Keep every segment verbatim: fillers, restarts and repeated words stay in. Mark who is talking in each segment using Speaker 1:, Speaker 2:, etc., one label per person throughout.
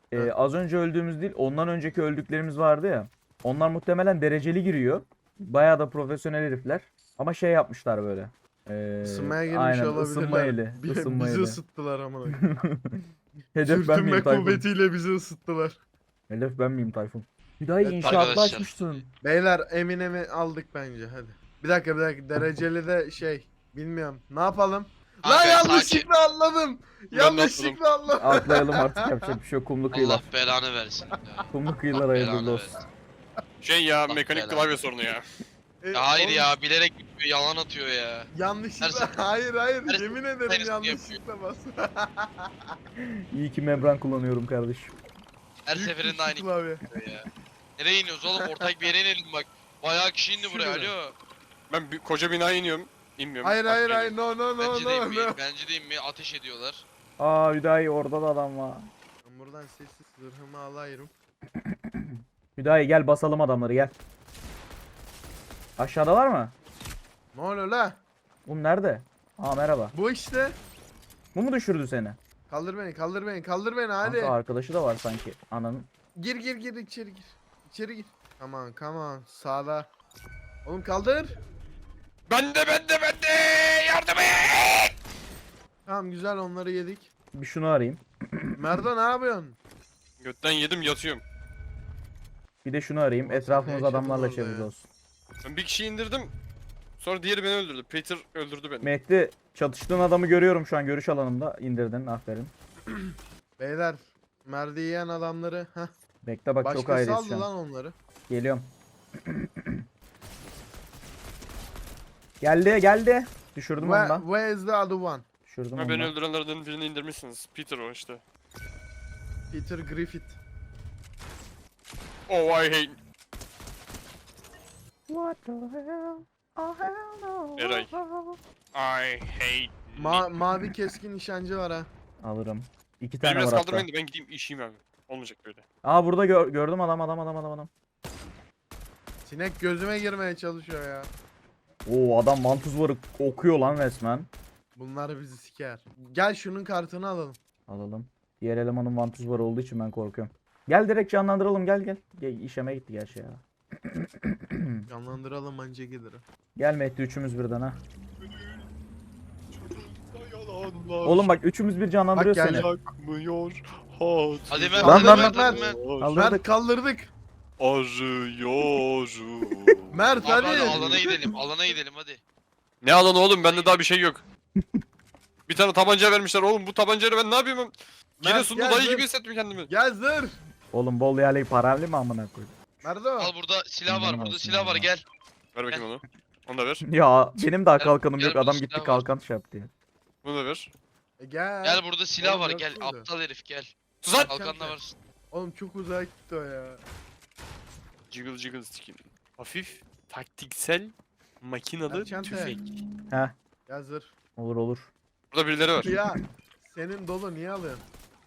Speaker 1: e, az önce öldüğümüz değil, ondan önceki öldüklerimiz vardı ya. Onlar muhtemelen dereceli giriyor. Bayağı da profesyonel herifler. Ama şey yapmışlar böyle. E,
Speaker 2: Isınmaya girmiş
Speaker 1: aynen
Speaker 2: olabilirler.
Speaker 1: ısınma eli.
Speaker 2: Bi-
Speaker 1: ısınma
Speaker 2: bizi
Speaker 1: eli.
Speaker 2: ısıttılar amına.
Speaker 1: Hedef ben
Speaker 2: Sürtünme
Speaker 1: miyim Tayfun?
Speaker 2: kuvvetiyle bizi ısıttılar.
Speaker 1: Hedef ben miyim Tayfun? Hüdayi
Speaker 2: Evet,
Speaker 1: inşaatla
Speaker 3: arkadaşlar.
Speaker 1: açmışsın.
Speaker 2: Beyler Eminem'i aldık bence hadi. Bir dakika bir dakika dereceli de şey bilmiyorum. Ne yapalım? Lan
Speaker 3: Kanka,
Speaker 2: yanlışlıkla atladım.
Speaker 4: Ben de
Speaker 2: Yanlışlıkla atladım.
Speaker 1: Atlayalım artık, yapacak bir şey yok. Kumlu kıyılar.
Speaker 3: Allah belanı versin. Ya.
Speaker 1: Kumlu kıyılar
Speaker 3: Allah
Speaker 1: hayırlı
Speaker 3: belanı
Speaker 1: olsun.
Speaker 3: versin.
Speaker 4: Şey ya
Speaker 3: Allah
Speaker 4: mekanik
Speaker 3: belanı.
Speaker 4: klavye sorunu ya.
Speaker 2: E,
Speaker 3: Ya hayır
Speaker 2: oğlum,
Speaker 3: ya bilerek gitmiyor, yalan atıyor ya.
Speaker 2: Yanlışlıkla
Speaker 3: Her-
Speaker 2: hayır hayır
Speaker 3: her-
Speaker 2: yemin ederim
Speaker 3: her-
Speaker 2: yanlışlıkla bas.
Speaker 1: İyi ki membran kullanıyorum kardeşim.
Speaker 3: Her
Speaker 2: Büyük
Speaker 3: seferinde
Speaker 2: tuşlu
Speaker 3: aynı
Speaker 2: klavye.
Speaker 3: gidiyor ya. Nereye iniyoruz oğlum? Ortak bir yere inelim bak. Bayağı kişi indi buraya.
Speaker 2: Şuraya.
Speaker 3: Alo.
Speaker 4: Ben bir, koca binaya iniyorum. İnmiyorum.
Speaker 2: Hayır hayır
Speaker 4: Bak,
Speaker 2: hayır no no no
Speaker 3: Bence de
Speaker 2: no
Speaker 3: inmeyin.
Speaker 2: no.
Speaker 3: Bence de inmeyin. Ateş ediyorlar.
Speaker 1: Aa Hüdayi, orada da adam var.
Speaker 2: Ben buradan sessiz zırhımı alayım.
Speaker 1: Hüdayi gel basalım adamları, gel. Aşağıdalar mı?
Speaker 2: Ne oluyor la?
Speaker 1: Oğlum nerede? Aa merhaba.
Speaker 2: Bu işte.
Speaker 1: Bu mu düşürdü seni?
Speaker 2: Kaldır beni kaldır beni kaldır beni hadi.
Speaker 1: Kanka arkadaşı da var sanki. Ananın.
Speaker 2: Gir gir gir içeri gir. İçeri gir. Aman come on sağda. Oğlum kaldır.
Speaker 4: Ben de ben de ben de yardım et.
Speaker 2: Tamam güzel onları yedik.
Speaker 1: Bir şunu arayayım.
Speaker 2: Merdo ne yapıyorsun?
Speaker 4: Götten yedim yatıyorum.
Speaker 1: Bir de şunu arayayım.
Speaker 2: Ulan sen
Speaker 1: Etrafımız
Speaker 2: ne yaşadın
Speaker 1: adamlarla
Speaker 2: orada
Speaker 1: çevrili
Speaker 2: ya?
Speaker 1: olsun.
Speaker 4: Ben bir kişiyi indirdim. Sonra diğeri beni öldürdü. Peter öldürdü beni.
Speaker 1: Mehdi, çatıştığın adamı görüyorum şu an görüş alanımda. İndirdin, aferin.
Speaker 2: Beyler. Merdi yiyen adamları. Heh.
Speaker 1: Bekle bak, çok
Speaker 2: Başkası
Speaker 1: ayrıyız
Speaker 2: aldı
Speaker 1: şu an.
Speaker 2: lan onları.
Speaker 1: Geliyorum. Geldi geldi. Düşürdüm
Speaker 2: Where,
Speaker 1: ondan.
Speaker 2: where is the other one?
Speaker 1: Düşürdüm
Speaker 4: Ama beni
Speaker 1: ondan.
Speaker 4: öldürenlerden birini indirmişsiniz. Peter o işte.
Speaker 2: Peter Griffith.
Speaker 4: Oh I hate.
Speaker 1: What the hell? Oh hell no.
Speaker 4: Eray. I hate.
Speaker 2: Ma mavi keskin nişancı var ha.
Speaker 1: Alırım. İki
Speaker 4: Beni
Speaker 1: tane
Speaker 4: biraz
Speaker 1: var hatta.
Speaker 4: kaldırmayın da ben gideyim işeyim abi. Olmayacak böyle.
Speaker 1: Aa burada gör- gördüm adam adam adam adam adam.
Speaker 2: Sinek gözüme girmeye çalışıyor ya.
Speaker 1: Oo adam vantuz varı okuyor lan resmen.
Speaker 2: Bunlar bizi siker. Gel şunun kartını alalım.
Speaker 1: Alalım. Diğer elemanın vantuz varı olduğu için ben korkuyorum. Gel direkt canlandıralım, gel gel. Gel işeme gitti gerçi ya.
Speaker 2: Canlandıralım anca gelir.
Speaker 1: Gel Mehdi, üçümüz birden ha.
Speaker 4: Yalanlar.
Speaker 1: Oğlum bak üçümüz bir canlandırıyor
Speaker 2: Bak
Speaker 1: seni.
Speaker 2: gel.
Speaker 4: Yakmıyor. Hat.
Speaker 3: Hadi Mert,
Speaker 1: Lan,
Speaker 3: hadi
Speaker 1: lan,
Speaker 3: Mert,
Speaker 2: lan,
Speaker 3: hadi
Speaker 2: lan.
Speaker 3: Mert.
Speaker 1: Kaldırdık.
Speaker 2: Mert kaldırdık.
Speaker 4: Arıyorum.
Speaker 2: Mert
Speaker 3: Abi
Speaker 2: hadi.
Speaker 3: hadi alana gidelim, alana gidelim hadi.
Speaker 4: Ne alan oğlum, bende daha bir şey yok. Bir tane tabanca vermişler oğlum, bu tabancayla ben ne yapayım? Giresunlu
Speaker 2: gel,
Speaker 4: dayı
Speaker 2: dur.
Speaker 4: gibi hissettim kendimi.
Speaker 2: Gel zır.
Speaker 1: Oğlum bol yerli paramlı mı amına koyayım?
Speaker 2: Merdo.
Speaker 3: Al burada silah var,
Speaker 1: Benim
Speaker 3: burada
Speaker 1: olsun
Speaker 3: silah var
Speaker 1: ya.
Speaker 3: gel.
Speaker 4: Ver bakayım onu. Onu da ver.
Speaker 1: Ya benim daha
Speaker 3: Gel-
Speaker 1: kalkanım
Speaker 3: gel
Speaker 1: yok,
Speaker 3: burada
Speaker 1: adam
Speaker 3: silah
Speaker 1: gitti
Speaker 3: var.
Speaker 1: kalkan şey yaptı ya.
Speaker 4: Bunu da ver.
Speaker 2: E, gel.
Speaker 3: Gel burada silah
Speaker 2: Oğlum,
Speaker 3: var
Speaker 2: yok
Speaker 3: gel.
Speaker 2: burada.
Speaker 3: Aptal herif gel.
Speaker 4: Tuzak.
Speaker 3: Kalkanla var.
Speaker 2: Oğlum çok uzağa gitti o ya.
Speaker 4: Jiggle jiggle skin. Hafif, taktiksel, makinalı
Speaker 2: Erçante.
Speaker 4: tüfek.
Speaker 1: Heh,
Speaker 2: Gel zır.
Speaker 1: olur olur.
Speaker 4: Burada birileri var.
Speaker 2: Ya senin dolu niye alıyorsun?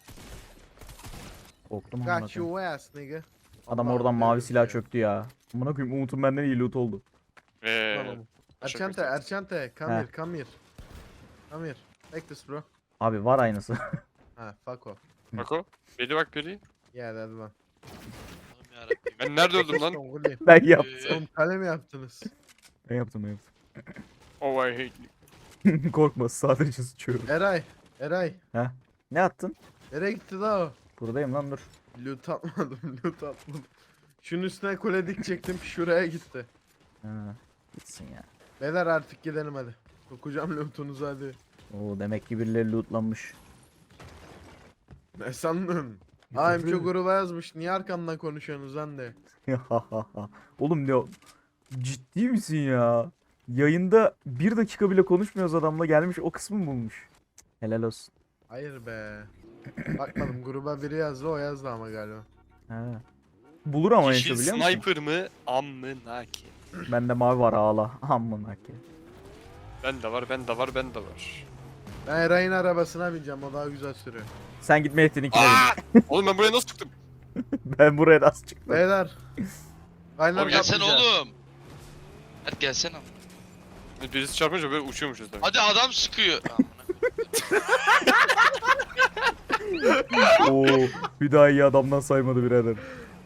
Speaker 1: Korktum amına
Speaker 2: Got
Speaker 1: koyayım.
Speaker 2: your ass nigga.
Speaker 1: Adam
Speaker 2: Allah
Speaker 1: oradan mavi
Speaker 2: verir
Speaker 1: silah
Speaker 2: ya.
Speaker 1: çöktü ya. Amına koyayım, Umut'un benden iyi loot oldu.
Speaker 2: Lan
Speaker 4: Eee.
Speaker 2: oğlum.
Speaker 4: Teşekkür
Speaker 2: Erçante,
Speaker 4: ederim.
Speaker 2: Erçante, come
Speaker 1: He.
Speaker 2: here, come here. Come here. Take this bro.
Speaker 1: Abi var aynısı.
Speaker 2: Ha, fuck off.
Speaker 4: Bak o. Biri bak biri.
Speaker 2: Yeah, that one.
Speaker 3: Allah'ım yarabbim.
Speaker 4: Ben nerede öldüm lan?
Speaker 2: Songuli.
Speaker 1: Ben yaptım.
Speaker 3: Ee,
Speaker 2: Oğlum kale mi yaptınız?
Speaker 1: Ben yaptım ben
Speaker 4: Oh I hate.
Speaker 1: yaptım. Korkma, sadece sıçıyorum.
Speaker 2: Eray, Eray.
Speaker 1: Ne attın?
Speaker 2: Nereye gitti da o?
Speaker 1: Buradayım lan, dur.
Speaker 2: Loot atmadım, loot atmadım. Şunun üstüne kule dikecektim, şuraya gitti.
Speaker 1: Ha, gitsin ya.
Speaker 2: Beyler artık gidelim hadi. Sokacağım lootunuzu hadi.
Speaker 1: Oo demek ki birileri lootlanmış.
Speaker 2: Ne sandın? Aa Emço gruba yazmış, niye arkamdan konuşuyorsunuz lan de.
Speaker 1: Oğlum ne o- ciddi misin ya? Yayında bir dakika bile konuşmuyoruz adamla, gelmiş o kısmı bulmuş. Helal olsun.
Speaker 2: Hayır be. Bakmadım gruba biri yazdı, o yazdı ama galiba.
Speaker 1: Ha. Bulur ama
Speaker 4: Yeşil
Speaker 1: Enşo, biliyor musun?
Speaker 4: sniper mı? Amına ki.
Speaker 1: Bende mavi var, ağla. Amına ki.
Speaker 4: Ben de var, ben de var, ben de var.
Speaker 2: Ben Eray'ın arabasına bineceğim, o daha güzel sürüyor.
Speaker 1: Sen git Mehdi'ninkine bin.
Speaker 4: Aa! Oğlum ben buraya nasıl çıktım?
Speaker 1: Ben buraya nasıl çıktım?
Speaker 2: Beyler. Aynen
Speaker 3: Oğlum gelsene
Speaker 2: yapmayacağız.
Speaker 3: oğlum. Hadi gelsene.
Speaker 4: Birisi çarpınca böyle uçuyormuşuz demek.
Speaker 3: Hadi adam sıkıyor. Amına.
Speaker 1: Oo, bir daha iyi adamdan saymadı birader.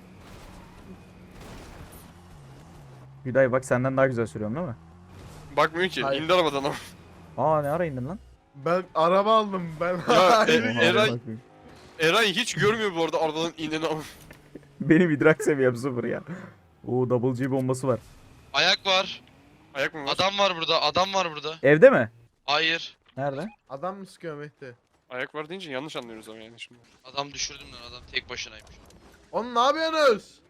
Speaker 1: Hüday bak senden daha güzel sürüyorum değil mi?
Speaker 4: Bakmıyor ki.
Speaker 2: Hayır.
Speaker 4: İndi arabadan ama.
Speaker 1: Aa ne ara indin lan?
Speaker 2: Ben araba aldım ben.
Speaker 4: Ya,
Speaker 2: Hayır,
Speaker 4: e-
Speaker 1: Oha,
Speaker 2: gel.
Speaker 4: Eray-
Speaker 1: bak bakayım.
Speaker 4: Eray hiç görmüyor bu arada arabadan indiğini ama.
Speaker 1: Benim idrak seviyem sıfır ya. Oo double G bombası var.
Speaker 3: Ayak var.
Speaker 4: Ayak mı var?
Speaker 3: Adam var burada. Adam var burada.
Speaker 1: Evde mi?
Speaker 3: Hayır.
Speaker 1: Nerede?
Speaker 2: Adam mı sıkıyor Mehdi?
Speaker 4: Ayak var deyince yanlış anlıyoruz ama yani şimdi.
Speaker 3: Adam düşürdüm lan, adam tek başınaymış.
Speaker 2: Oğlum ne yapıyorsunuz?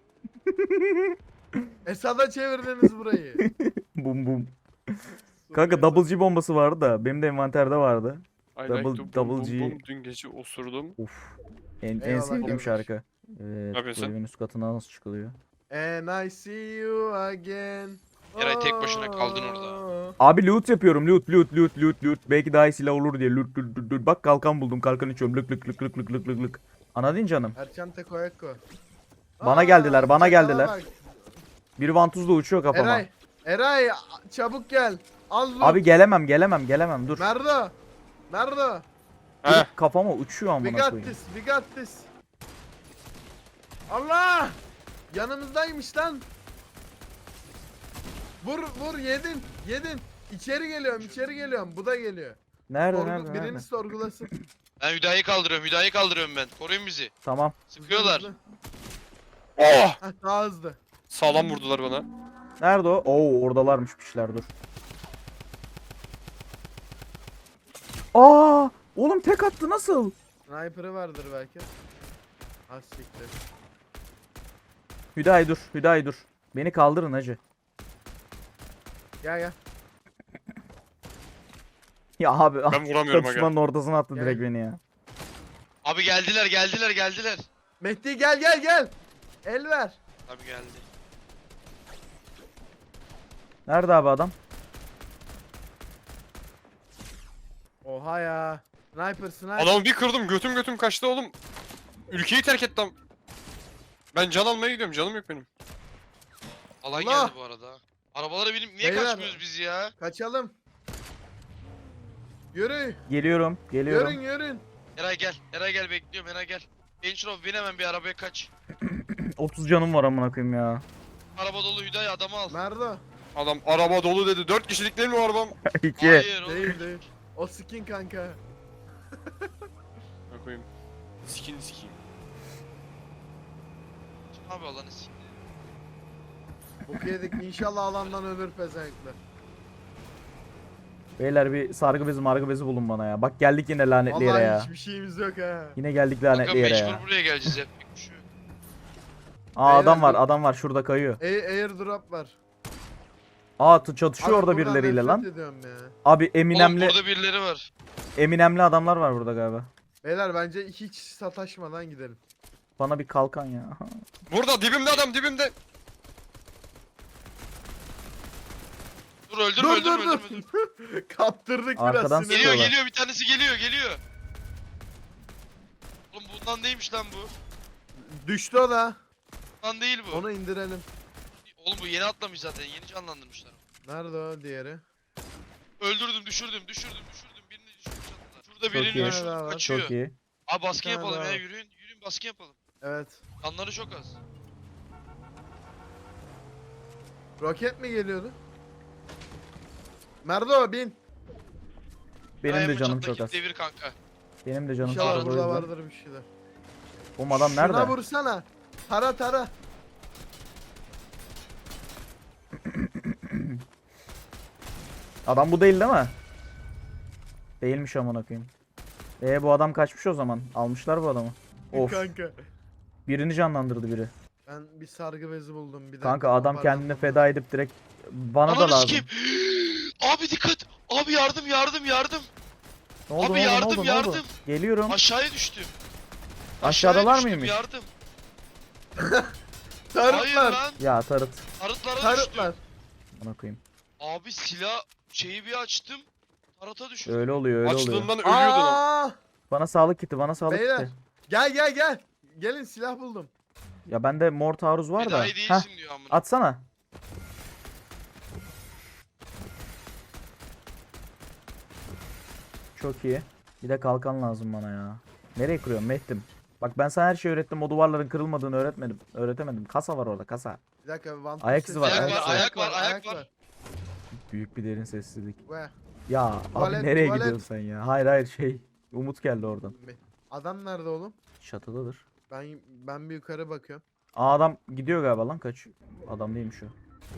Speaker 2: Esad'a çevirdiniz burayı.
Speaker 1: Bum bum. Kanka double G bombası vardı da benim de envanterde vardı.
Speaker 4: I
Speaker 1: Double-
Speaker 4: like to boom,
Speaker 1: double
Speaker 4: boom,
Speaker 1: G.
Speaker 4: boom. Dün gece osurdum.
Speaker 1: Uf. En, en
Speaker 2: Eyvallah
Speaker 1: sevdiğim
Speaker 2: kardeş.
Speaker 1: şarkı. Evet, bu
Speaker 4: yapıyorsun?
Speaker 1: evin üst katına nasıl çıkılıyor?
Speaker 2: And I see you again.
Speaker 3: Eray tek başına kaldın orada.
Speaker 2: Oh.
Speaker 1: Abi loot yapıyorum. Loot loot loot loot loot. Belki daha iyi silah olur diye. Loot loot loot loot. Bak kalkan buldum. Kalkan içiyorum. Lık lık lık lık lık lık lık lık. Anladın canım.
Speaker 2: Erçan tek ayak koy.
Speaker 1: Bana
Speaker 2: Aa,
Speaker 1: geldiler, bana
Speaker 2: çakala
Speaker 1: geldiler.
Speaker 2: bak.
Speaker 1: Biri vantuzla uçuyor kafama.
Speaker 2: Eray. Eray çabuk gel. Al loot.
Speaker 1: Abi gelemem gelemem gelemem dur.
Speaker 2: Merdo. Merdo.
Speaker 1: Dur,
Speaker 4: Heh.
Speaker 1: kafama uçuyor
Speaker 2: We
Speaker 1: amına
Speaker 2: got
Speaker 1: koyayım.
Speaker 2: this. We got this. Allah! Yanımızdaymış lan. Vur vur yedin. Yedin. İçeri geliyorum, içeri geliyorum. Bu da geliyor.
Speaker 1: Nerede
Speaker 2: Sorgu-
Speaker 1: nerede
Speaker 2: birini
Speaker 1: nerede?
Speaker 2: sorgulasın.
Speaker 3: Ben Hüdayı kaldırıyorum. Hüdayı kaldırıyorum ben. Koruyun bizi.
Speaker 1: Tamam.
Speaker 3: Sıkıyorlar.
Speaker 2: Hızlı, hızlı.
Speaker 4: Oh!
Speaker 2: Heh, daha hızlı.
Speaker 4: Sağlam vurdular bana.
Speaker 1: Nerede o? Oo oradalarmış pişler dur. Aa! Oğlum tek attı nasıl?
Speaker 2: Sniper'ı vardır belki. Az siktir.
Speaker 1: Hüday dur. Hüday dur. Beni kaldırın hacı.
Speaker 2: Gel gel.
Speaker 1: Ya abi
Speaker 4: Ben vuramıyorum aga.
Speaker 1: çatışmanın ortasına attı
Speaker 2: Gel.
Speaker 1: direkt beni ya.
Speaker 3: Abi geldiler geldiler geldiler.
Speaker 2: Mehdi gel gel gel. El ver.
Speaker 3: Abi geldi.
Speaker 1: Nerede abi adam?
Speaker 2: Oha ya. Sniper sniper.
Speaker 4: Adamı bir kırdım götüm götüm kaçtı oğlum. Ülkeyi terk etti am. Ben can almaya gidiyorum canım yok benim.
Speaker 3: Alan
Speaker 2: Allah!
Speaker 3: geldi bu arada. Arabalara binip niye
Speaker 2: Beyler.
Speaker 3: kaçmıyoruz biz ya?
Speaker 2: Kaçalım. Yürü.
Speaker 1: Geliyorum. Geliyorum.
Speaker 2: Yürün yürün.
Speaker 3: Eray gel. Eray gel bekliyorum. Eray gel. Enşrof bin hemen bir arabaya kaç.
Speaker 1: otuz canım var amına koyayım ya.
Speaker 3: Araba dolu Hüday adamı al.
Speaker 2: Merdo.
Speaker 4: Adam araba dolu dedi. Dört kişilik değil mi o arabam?
Speaker 1: İki.
Speaker 3: Hayır oğlum.
Speaker 2: Değil değil. O skin kanka.
Speaker 4: Ne koyayım? Skin sikiyim.
Speaker 3: Abi alanı s***.
Speaker 2: Boku yedik. İnşallah alandan ölür pezevenkler.
Speaker 1: Beyler bir sargı bezi margı bezi bulun bana ya. Bak geldik yine lanetli yere
Speaker 2: Vallahi
Speaker 1: ya.
Speaker 2: hiçbir şeyimiz yok ha.
Speaker 1: Yine geldik
Speaker 3: Kanka
Speaker 1: lanetli yere
Speaker 3: mecbur
Speaker 1: ya.
Speaker 3: buraya geleceğiz yapacak bir şey yok.
Speaker 1: Aa adam
Speaker 2: Beyler,
Speaker 1: var
Speaker 2: dur.
Speaker 1: adam var şurada kayıyor.
Speaker 2: A airdrop var.
Speaker 1: Aa t- çatışıyor
Speaker 2: Abi
Speaker 1: orada
Speaker 2: buradan
Speaker 1: birileriyle
Speaker 2: nefret
Speaker 1: lan.
Speaker 2: ediyorum ya.
Speaker 1: Abi
Speaker 3: Oğlum
Speaker 1: Eminemli
Speaker 3: burada birileri var.
Speaker 1: Eminemli adamlar var burada galiba.
Speaker 2: Beyler bence hiç sataşmadan gidelim.
Speaker 1: Bana bir kalkan ya.
Speaker 4: Burada dibimde adam dibimde.
Speaker 3: Dur öldürme
Speaker 2: dur
Speaker 3: öldürme
Speaker 2: dur
Speaker 3: öldürme.
Speaker 2: dur.
Speaker 3: dur.
Speaker 2: Kaptırdık
Speaker 1: Arkadan
Speaker 2: biraz
Speaker 3: Geliyor
Speaker 1: Sıkıyorlar.
Speaker 3: geliyor bir tanesi geliyor geliyor. Oğlum bundan değilmiş lan bu.
Speaker 2: Düştü o da.
Speaker 3: Bundan değil bu.
Speaker 2: Onu indirelim.
Speaker 3: Oğlum bu yeni atlamış zaten. Yeni canlandırmışlar.
Speaker 2: Nerede o diğeri?
Speaker 3: Öldürdüm düşürdüm düşürdüm düşürdüm. Birini düşürdüm çatıda. Şurada
Speaker 1: Çok
Speaker 3: birini
Speaker 1: iyi.
Speaker 3: düşürdüm
Speaker 2: Çok
Speaker 3: kaçıyor.
Speaker 1: Çok iyi.
Speaker 3: Abi baskın
Speaker 2: Bir tane
Speaker 3: yapalım
Speaker 2: daha
Speaker 3: ya
Speaker 2: var.
Speaker 3: yürüyün. Yürüyün baskın yapalım.
Speaker 2: Evet.
Speaker 3: Kanları çok az.
Speaker 2: Roket mi geliyordu? Merdo bin.
Speaker 1: Benim
Speaker 3: Ay,
Speaker 1: de
Speaker 3: bu
Speaker 1: canım
Speaker 3: çattaki
Speaker 1: çok az.
Speaker 3: Devir kanka.
Speaker 1: Benim de canım çok
Speaker 2: İnşallah
Speaker 1: az. o
Speaker 2: burada
Speaker 1: yüzden.
Speaker 2: vardır bir şeyler.
Speaker 1: Oğlum adam
Speaker 2: Şuna
Speaker 1: nerede?
Speaker 2: vursana. Tara tara.
Speaker 1: Adam bu değil değil mi? Değilmiş amına koyayım. E bu adam kaçmış o zaman. Almışlar bu adamı. Of.
Speaker 2: Kanka.
Speaker 1: Birini canlandırdı biri.
Speaker 2: Ben bir sargı bezi buldum bir dakika.
Speaker 1: Kanka adam kendini
Speaker 2: toparlanmam
Speaker 1: feda edip direkt bana da
Speaker 3: Ananı
Speaker 1: lazım.
Speaker 3: sikeyim. Abi dikkat. Abi yardım yardım yardım.
Speaker 1: Ne oldu,
Speaker 3: Abi
Speaker 1: ne oldu,
Speaker 3: yardım,
Speaker 1: ne oldu, ne oldu?
Speaker 3: yardım.
Speaker 1: Geliyorum.
Speaker 3: Aşağıya düştüm.
Speaker 1: Aşağıdalar
Speaker 3: düştüm,
Speaker 1: mıymış?
Speaker 3: Yardım.
Speaker 2: lazım.
Speaker 3: Hayır
Speaker 2: Tarıtlar.
Speaker 3: lan.
Speaker 1: Ya tarıt.
Speaker 3: Tarıtlara
Speaker 2: Tarıtlar.
Speaker 3: düştüm.
Speaker 1: Bana koyayım.
Speaker 3: Abi silah şeyi bir açtım. Tarata düşürdüm.
Speaker 1: Öyle oluyor öyle oluyor.
Speaker 4: Açlığından ölüyordu lan.
Speaker 2: Aa!
Speaker 1: Bana sağlık kiti bana sağlık
Speaker 2: Beyler.
Speaker 1: kiti.
Speaker 2: Gel gel gel. Gelin silah buldum.
Speaker 1: Ya bende mor taarruz var
Speaker 3: Bir
Speaker 1: da.
Speaker 3: daha iyi
Speaker 1: Heh,
Speaker 3: değilsin diyor amına.
Speaker 1: atsana. Çok iyi. Bir de kalkan lazım bana ya. Nereye kırıyorsun Mehdim? Bak ben sana her şeyi öğrettim. O duvarların kırılmadığını öğretmedim. Öğretemedim. Kasa var orada kasa.
Speaker 2: Bir dakika. Van
Speaker 1: Ayak
Speaker 2: sesi-
Speaker 1: izi var,
Speaker 3: Ayak
Speaker 1: ayak
Speaker 3: var,
Speaker 1: izi
Speaker 3: ayak var, ayak var.
Speaker 1: Büyük bir derin sessizlik.
Speaker 2: Ve
Speaker 1: Ya
Speaker 2: Tuvalet,
Speaker 1: abi nereye
Speaker 2: tuvalet.
Speaker 1: gidiyorsun sen ya? Hayır hayır şey. Umut geldi oradan.
Speaker 2: adam nerede oğlum?
Speaker 1: Çatıdadır.
Speaker 2: Ben ben bir yukarı bakıyorum.
Speaker 1: Aa adam gidiyor galiba lan kaç. Adam değilmiş o.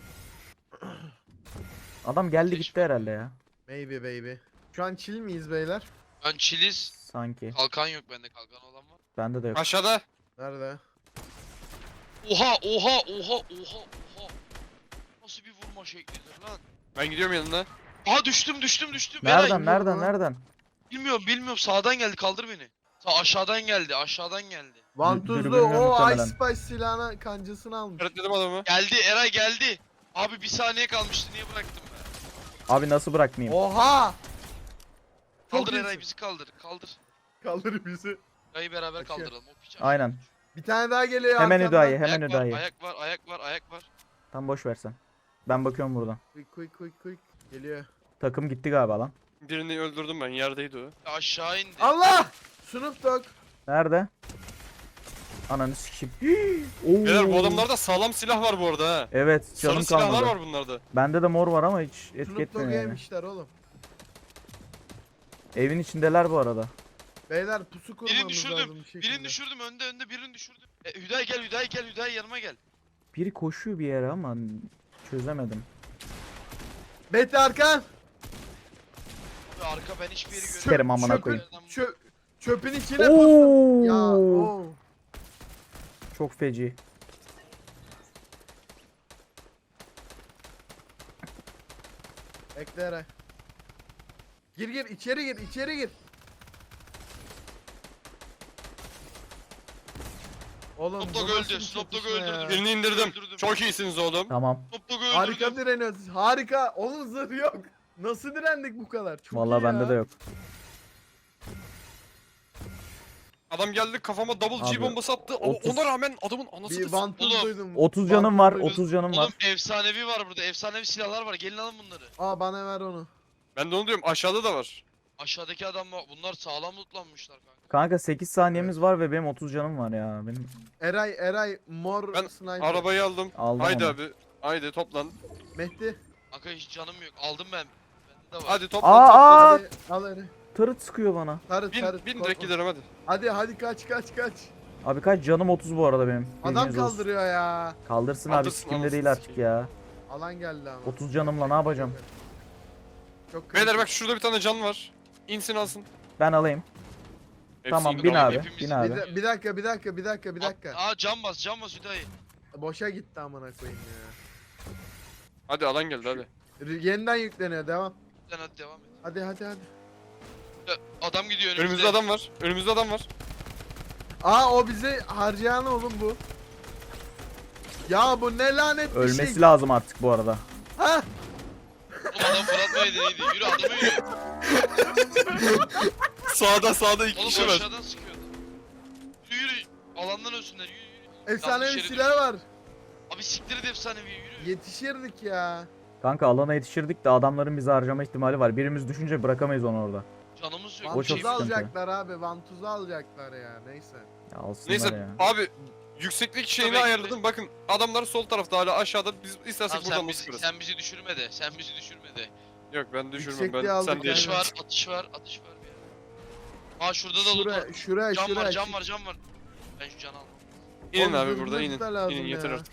Speaker 1: Adam geldi
Speaker 3: Geç
Speaker 1: gitti herhalde ya.
Speaker 2: Maybe baby. Şu an chill miyiz beyler?
Speaker 3: Ben çiliz.
Speaker 1: Sanki.
Speaker 3: Kalkan yok bende, kalkan olan var.
Speaker 1: Bende de yok.
Speaker 4: Aşağıda.
Speaker 2: Nerede?
Speaker 3: Oha oha oha oha oha. Nasıl bir vurma şeklidir lan?
Speaker 4: Ben gidiyorum yanına.
Speaker 3: Aha düştüm düştüm düştüm.
Speaker 1: Nereden
Speaker 3: Eray,
Speaker 1: nereden
Speaker 2: lan.
Speaker 1: nereden?
Speaker 3: bilmiyorum bilmiyorum sağdan geldi, kaldır beni. Sağ aşağıdan geldi, aşağıdan geldi.
Speaker 2: Vantuzlu
Speaker 1: dürbünle
Speaker 2: o
Speaker 1: muhtemelen.
Speaker 2: Ice Spice silahına kancasını almış.
Speaker 4: İşaretledim adamı.
Speaker 3: Geldi Eray geldi. Abi bir saniye kalmıştı, niye bıraktım ben?
Speaker 1: Abi nasıl bırakmayayım?
Speaker 2: Oha! Çok
Speaker 3: Kaldır
Speaker 2: iyisin.
Speaker 3: Eray, bizi kaldır kaldır.
Speaker 2: Kaldır bizi.
Speaker 3: Eray'ı beraber
Speaker 2: Kaçıyor.
Speaker 3: kaldıralım. O piç
Speaker 1: Aynen.
Speaker 2: Bir tane daha geliyor
Speaker 1: Hemen
Speaker 2: arkamdan.
Speaker 1: Hüdayi, hemen
Speaker 3: Ayak var,
Speaker 1: Hüdayi.
Speaker 3: ayak var, ayak var, ayak var.
Speaker 1: Tam boş versen. Ben bakıyorum buradan.
Speaker 2: Quick quick quick quick. Geliyor.
Speaker 1: Takım gitti galiba lan.
Speaker 4: Birini öldürdüm ben. Yerdeydi o.
Speaker 3: Aşağı indi.
Speaker 2: Allah! Snoop Dogg.
Speaker 1: Nerede? Ananı sikeyim. Oo.
Speaker 4: Beyler bu adamlarda sağlam silah var bu arada ha.
Speaker 1: Evet canım
Speaker 4: Sarı silahlar
Speaker 1: kalmadı.
Speaker 4: var bunlarda.
Speaker 1: Bende de mor var ama hiç etki
Speaker 2: Snoop
Speaker 1: etmiyor
Speaker 2: Dogg'u
Speaker 1: yani.
Speaker 2: yemişler oğlum.
Speaker 1: Evin içindeler bu arada.
Speaker 2: Beyler pusu kurmamız
Speaker 3: Birini düşürdüm.
Speaker 2: lazım bir şekilde.
Speaker 3: Birini düşürdüm, önde önde birini düşürdüm. E, Hüday gel, Hüday gel, Hüday yanıma gel.
Speaker 1: Biri koşuyor bir yere ama çözemedim.
Speaker 2: Beti arkan.
Speaker 3: Abi arka, ben hiçbir yeri göremiyorum.
Speaker 1: Sikerim amına
Speaker 2: Çöpün-
Speaker 1: koyayım.
Speaker 2: Çö çöpün içine pustum. Ya
Speaker 1: Oo.
Speaker 2: oo.
Speaker 1: Çok feci.
Speaker 2: Bekle Eray. Gir gir içeri gir içeri gir. Oğlum
Speaker 3: Snoop
Speaker 2: bu
Speaker 3: Dogg
Speaker 2: nasıl
Speaker 3: öldü,
Speaker 2: bir
Speaker 3: Snoop Dogg'u
Speaker 2: çatışma ya?
Speaker 3: öldürdüm.
Speaker 4: Birini indirdim.
Speaker 3: Öldürdüm.
Speaker 4: Çok iyisiniz oğlum.
Speaker 1: Tamam.
Speaker 3: Snoop Dogg'u öldürdüm.
Speaker 2: Harika direniyoruz. Harika. Oğlum zırh yok. Nasıl direndik bu kadar? Çok
Speaker 1: Vallahi
Speaker 2: iyi
Speaker 1: bende
Speaker 2: ya.
Speaker 1: de yok.
Speaker 4: Adam geldi kafama double
Speaker 1: Abi,
Speaker 4: G bombası attı. Ama
Speaker 1: otuz
Speaker 4: ona rağmen adamın
Speaker 2: Bir
Speaker 4: anasını
Speaker 2: vantuz
Speaker 3: Oğlum,
Speaker 2: duydum.
Speaker 1: otuz canım var,
Speaker 2: Vantuz duydum.
Speaker 1: otuz canım var.
Speaker 3: Oğlum efsanevi var burada, efsanevi silahlar var. Gelin alın bunları.
Speaker 2: Aa bana ver onu.
Speaker 4: Ben de onu diyorum, aşağıda da var.
Speaker 3: Aşağıdaki adam var. Bunlar sağlam lootlanmışlar kanka.
Speaker 1: Kanka sekiz saniyemiz var ve benim otuz canım var ya. Benim
Speaker 2: Eray Eray mor
Speaker 4: Ben
Speaker 2: sniper.
Speaker 4: Arabayı aldım.
Speaker 1: aldım
Speaker 4: Haydi
Speaker 1: onu.
Speaker 4: abi. Haydi toplan.
Speaker 2: Mehdi.
Speaker 3: Kanka hiç canım yok. Aldım ben. Bende de var.
Speaker 4: Hadi toplan
Speaker 1: Aa,
Speaker 4: toplan.
Speaker 1: aa!
Speaker 2: Hadi al Eray.
Speaker 1: Tırıt sıkıyor bana.
Speaker 2: Tarıt
Speaker 4: Bin,
Speaker 2: tarıt.
Speaker 4: bin
Speaker 2: korkma.
Speaker 4: direkt gidelim hadi.
Speaker 2: Hadi hadi kaç kaç kaç.
Speaker 1: Abi kaç canım otuz bu arada benim.
Speaker 2: Adam
Speaker 1: Bilginiz olsun.
Speaker 2: kaldırıyor ya.
Speaker 1: Kaldırsın abi
Speaker 4: Kaldırsın,
Speaker 1: sikimde
Speaker 4: anasını
Speaker 1: değil artık
Speaker 4: sikeyim.
Speaker 1: ya.
Speaker 2: Alan geldi ama.
Speaker 1: otuz canımla ne yapacağım?
Speaker 2: Çok
Speaker 4: Beyler
Speaker 2: kritik.
Speaker 4: bak şurada bir tane can var. İnsin alsın.
Speaker 1: Ben alayım.
Speaker 4: Hepsi
Speaker 1: Tamam,
Speaker 4: indi
Speaker 1: bin
Speaker 4: ama.
Speaker 1: abi.
Speaker 3: hepimiz-
Speaker 1: Bin abi.
Speaker 2: Bir, de- bir dakika bir dakika bir dakika bir dakika.
Speaker 3: Aa cam bas, cam bas Hüdayi.
Speaker 2: Boşa gitti amına koyayım ya.
Speaker 4: Hadi alan geldi hadi.
Speaker 2: R- Yeniden yükleniyor devam.
Speaker 3: Sen hadi devam et.
Speaker 2: Hadi hadi hadi.
Speaker 3: Adam gidiyor önümüzde.
Speaker 4: Önümüzde adam var. Önümüzde adam var.
Speaker 2: Aa o bizi harcayan oğlum bu. Ya bu ne lanet bir
Speaker 1: Ölmesi
Speaker 2: şey.
Speaker 1: lazım artık bu arada.
Speaker 2: Ha?
Speaker 3: Oğlum adam Fırat Bey dediydi. Yürü adamı yürü.
Speaker 4: Sağda sağda iki
Speaker 3: Oğlum
Speaker 4: kişi var.
Speaker 3: aşağıdan sıkıyordu. Yürü yürü. Alandan ölsünler yürü yürü.
Speaker 2: Efsanevi
Speaker 3: Yanlış yere
Speaker 2: silah var.
Speaker 3: Abi siktir et efsanevi yürü.
Speaker 2: Yetişirdik ya.
Speaker 1: Kanka alana yetişirdik de adamların bizi harcama ihtimali var. Birimiz düşünce bırakamayız onu orada.
Speaker 3: Canımız yok.
Speaker 1: O çok
Speaker 3: bir
Speaker 2: Vantuzu
Speaker 3: şeyimiz
Speaker 1: sıkıntı.
Speaker 2: alacaklar abi. Vantuzu alacaklar ya. Neyse.
Speaker 1: Ya alsınlar
Speaker 4: Neyse
Speaker 1: ya.
Speaker 4: abi yükseklik şeyini
Speaker 3: Tabii ki.
Speaker 4: ayarladım. Bakın adamlar sol tarafta hala aşağıda. Biz istersek
Speaker 3: Tamam,
Speaker 4: buradan
Speaker 3: sen,
Speaker 4: nasıl
Speaker 3: bizi,
Speaker 4: kırarız?
Speaker 3: sen bizi düşürme de. Sen bizi düşürme de.
Speaker 4: Yok ben düşürmem
Speaker 2: Yüksekliği
Speaker 4: ben.
Speaker 2: aldık
Speaker 4: Sen de
Speaker 2: yani.
Speaker 3: Atış
Speaker 4: yaşa.
Speaker 3: var, atış var, atış var bir yere. Aa şurada da loot var.
Speaker 2: Şuraya şuraya
Speaker 3: Cam
Speaker 2: şuraya.
Speaker 3: var, cam var, cam var. Ben şu canı almam.
Speaker 4: İnin
Speaker 2: Oğlum,
Speaker 4: abi
Speaker 2: zırh
Speaker 4: burada
Speaker 2: zırh
Speaker 4: inin.
Speaker 2: da lazım
Speaker 4: İnin yeter
Speaker 2: ya.
Speaker 4: artık.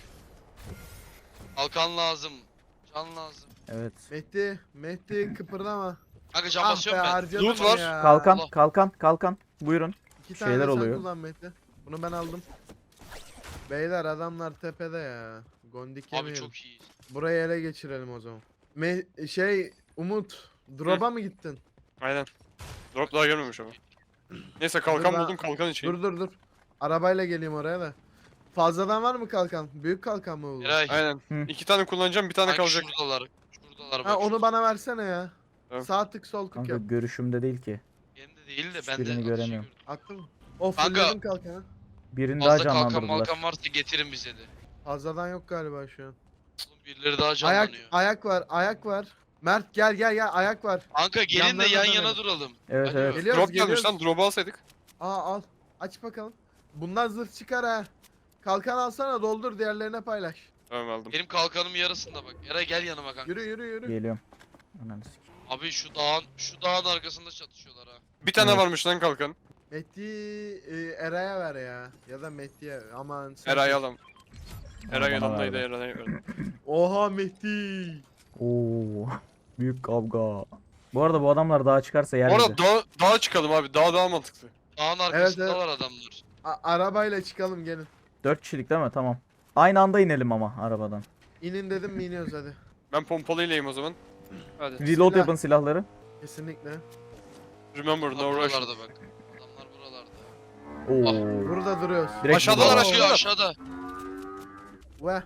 Speaker 3: Kalkan lazım. Can lazım.
Speaker 1: Evet.
Speaker 2: Mehdi, Mehdi kıpırdama.
Speaker 3: Kanka cam
Speaker 2: Ah be
Speaker 3: basıyorum ben.
Speaker 2: harcadım
Speaker 4: Loot
Speaker 2: onu
Speaker 4: var.
Speaker 2: ya.
Speaker 1: Kalkan,
Speaker 3: Allah.
Speaker 1: kalkan, kalkan. Buyurun.
Speaker 2: İki tane
Speaker 1: şeyler
Speaker 2: sen
Speaker 1: oluyor.
Speaker 2: kullan Mehdi. Bunu ben aldım. Beyler adamlar tepede ya. Gondik
Speaker 3: Abi
Speaker 2: yemeyelim.
Speaker 3: çok iyi.
Speaker 2: Burayı ele geçirelim o zaman. Me şey Umut, drop'a mı gittin?
Speaker 4: Aynen. Drop daha gelmemiş ama. Neyse kalkan
Speaker 2: ben-
Speaker 4: buldum kalkan için.
Speaker 2: Dur dur dur. Arabayla geleyim oraya da. Fazladan var mı kalkan? Büyük kalkan mı bu?
Speaker 3: Eray.
Speaker 4: Aynen.
Speaker 1: Hı.
Speaker 4: İki tane kullanacağım bir tane
Speaker 3: Kanka
Speaker 4: kalacak.
Speaker 3: şuradalar. Şuradalar bak.
Speaker 2: Ha onu
Speaker 3: şurada.
Speaker 2: bana versene ya.
Speaker 4: Tamam.
Speaker 2: Sağ tık sol tık
Speaker 1: Kanka
Speaker 2: yap.
Speaker 1: görüşümde değil ki.
Speaker 3: Yerinde değil de ben
Speaker 1: Hiçbirini
Speaker 3: de atışı
Speaker 1: göremiyorum.
Speaker 3: gördüm.
Speaker 2: Haklı mı? O
Speaker 3: Kanka-
Speaker 2: fullledim kalkanı.
Speaker 1: Birini daha
Speaker 3: Fazla kalkan
Speaker 1: canlandırdılar.
Speaker 3: malkan varsa getirin bize de.
Speaker 2: Fazladan yok galiba şu an.
Speaker 3: Oğlum birileri daha
Speaker 2: Ayak
Speaker 3: canlanıyor.
Speaker 2: ayak var, ayak var. Mert gel gel gel ayak var.
Speaker 3: Kanka gelin de
Speaker 2: Yanlarına
Speaker 3: yan
Speaker 2: dönelim.
Speaker 3: yana duralım.
Speaker 1: Evet
Speaker 3: Hadi
Speaker 1: evet.
Speaker 3: bak.
Speaker 2: Geliyoruz
Speaker 4: Drop gelmiş
Speaker 2: geliyoruz.
Speaker 4: lan drop'u alsaydık.
Speaker 2: Aa al. Aç bakalım. Bundan zırh çıkar ha. Kalkan alsana doldur diğerlerine paylaş.
Speaker 4: Tamam aldım.
Speaker 3: Benim kalkanım yarısında bak. Eray gel yanıma kanka.
Speaker 2: Yürü yürü yürü.
Speaker 1: Geliyorum. Ananı sikeyim.
Speaker 3: Abi şu dağın şu dağın arkasında çatışıyorlar ha.
Speaker 4: Bir tane
Speaker 1: Evet.
Speaker 4: varmış lan kalkan.
Speaker 2: Mehdi e, Eray'a ver ya. Ya da Mehdi'ye. Aman sen.
Speaker 4: Eray alam. Eray
Speaker 1: Bana
Speaker 4: yanımdaydı
Speaker 1: verdi.
Speaker 4: Eray. Eray.
Speaker 2: Oha Mehdi.
Speaker 1: Oo. Büyük kavga. Bu arada bu adamlar daha çıkarsa yer
Speaker 4: Bu
Speaker 1: bizi.
Speaker 4: arada dağa, dağa çıkalım abi. Dağ daha mantıklı.
Speaker 3: Dağın arkasındalar adamlar.
Speaker 2: A- arabayla çıkalım gelin.
Speaker 1: dört kişilik değil mi? Tamam. Aynı anda inelim ama arabadan.
Speaker 2: İnin dedim mi iniyoruz hadi.
Speaker 4: Ben pompalıylayım o zaman. Hadi.
Speaker 1: Reload
Speaker 2: Bismillah.
Speaker 1: yapın silahları.
Speaker 2: Kesinlikle.
Speaker 4: Remember
Speaker 3: Adamlar
Speaker 4: no rush.
Speaker 3: buralarda bak. Adamlar buralarda.
Speaker 1: Oo.
Speaker 2: Burada duruyoruz.
Speaker 1: Direkt
Speaker 4: Aşağıdalar,
Speaker 1: burada.
Speaker 3: Aşağı aşağıda.
Speaker 2: Ve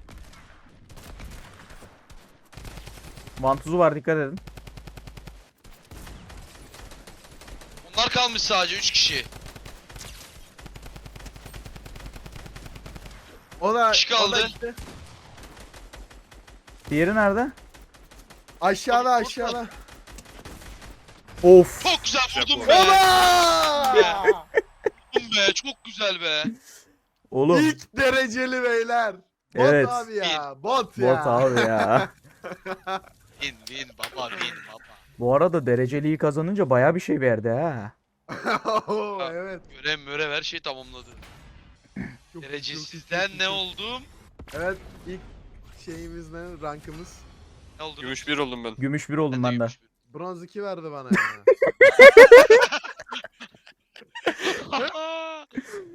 Speaker 1: Vantuzu var, dikkat edin.
Speaker 3: Onlar kalmış sadece üç kişi.
Speaker 2: o da,
Speaker 3: Kişi
Speaker 2: o da
Speaker 3: kaldı.
Speaker 2: işte.
Speaker 1: Diğeri nerede?
Speaker 2: Aşağıda
Speaker 3: Abi,
Speaker 2: aşağıda.
Speaker 1: Of.
Speaker 3: Çok güzel vurdum
Speaker 4: bu.
Speaker 3: be.
Speaker 2: Oba!
Speaker 3: Vurdum be. Çok güzel be.
Speaker 1: Oğlum.
Speaker 2: İlk dereceli beyler. Bot
Speaker 1: Evet.
Speaker 2: abi ya. Bot ya.
Speaker 1: Bot abi ya.
Speaker 3: Win win baba win baba.
Speaker 1: Bu arada dereceliği kazanınca baya bir şey verdi ha.
Speaker 2: Oo, evet.
Speaker 3: Görev mörev her şey tamamladı.
Speaker 2: Çok-
Speaker 3: Derecesizden
Speaker 2: çok-
Speaker 3: ne
Speaker 2: çok-
Speaker 3: oldum?
Speaker 2: Evet ilk şeyimiz ne? Rankımız.
Speaker 3: Ne oldum?
Speaker 4: Gümüş bir oldum ben.
Speaker 1: Gümüş bir oldum ben de.
Speaker 2: Bronz iki verdi bana ya.